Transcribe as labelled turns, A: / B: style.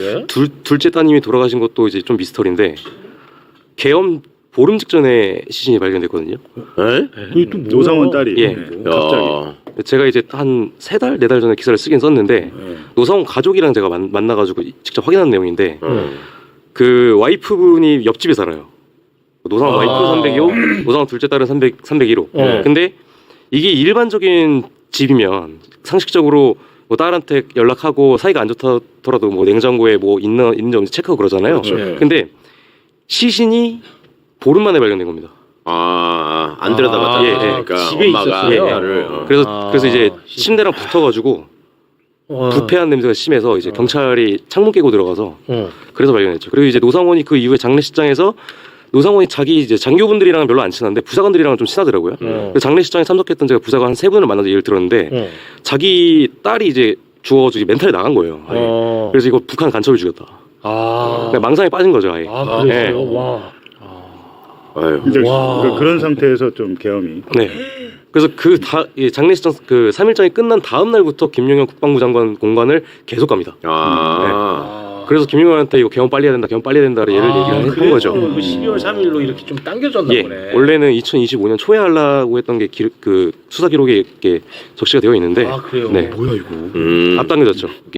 A: 둘째 따님이 돌아가신 것도 이제 좀 미스터리인데 계엄 보름 직전에 시신이 발견됐거든요.
B: 그게 또 노상원 딸이.
A: 예.
B: 갑자기.
A: 제가 이제 한 3달, 4달 전에 기사를 쓰긴 썼는데 노상원 가족이랑 제가 만나가지고 직접 확인한 내용인데 그 와이프분이 옆집에 살아요. 노상원 와이프 302호, 노상원 둘째 딸은 301호. 근데 이게 일반적인 집이면 상식적으로 뭐 딸한테 연락하고 사이가 안 좋더라도 뭐 냉장고에 뭐 있는지 없는지 체크하고 그러잖아요. 근데 시신이 보름 만에 발견된 겁니다.
C: 안 들여다봤다. 그러니까
D: 집에
C: 엄마가
D: 있었어요?
C: 딸을.
A: 그래서 이제 침대랑 붙어가지고 부패한 냄새가 심해서 이제 경찰이 창문 깨고 들어가서 그래서 발견했죠. 그리고 이제 노상원이 그 이후에 장례식장에서 노상원이 자기 이제 장교분들이랑은 별로 안 친한데 부사관들이랑은 좀 친하더라고요. 그래서 장례식장에 참석했던 제가 부사관 한 3분을 만나서 얘기를 들었는데 자기 딸이 이제 죽어가지고 멘탈이 나간 거예요. 아예. 그래서 이거 북한 간첩을 죽였다. 그냥 망상에 빠진 거죠 아예.
D: 그랬어요? 와.
B: 이제 그런 상태에서 좀 계엄이.
A: 네. 그래서 장례식장 그 3일장이 끝난 다음 날부터 김용현 국방부 장관 공관을 계속 갑니다. 그래서 김용현한테 이거 계엄 빨리 해야 된다, 계엄 빨리 해야 된다 얘를 얘기를 했던 거죠.
D: 12월 3일로 이렇게 좀 당겨졌나
A: 예.
D: 보네.
A: 원래는 2025년 초에 하려고 했던 게 그 수사 기록에 이렇게 적시가 되어 있는데
D: 그래요?
A: 네.
D: 뭐야 이거?
A: 앞당겨졌죠.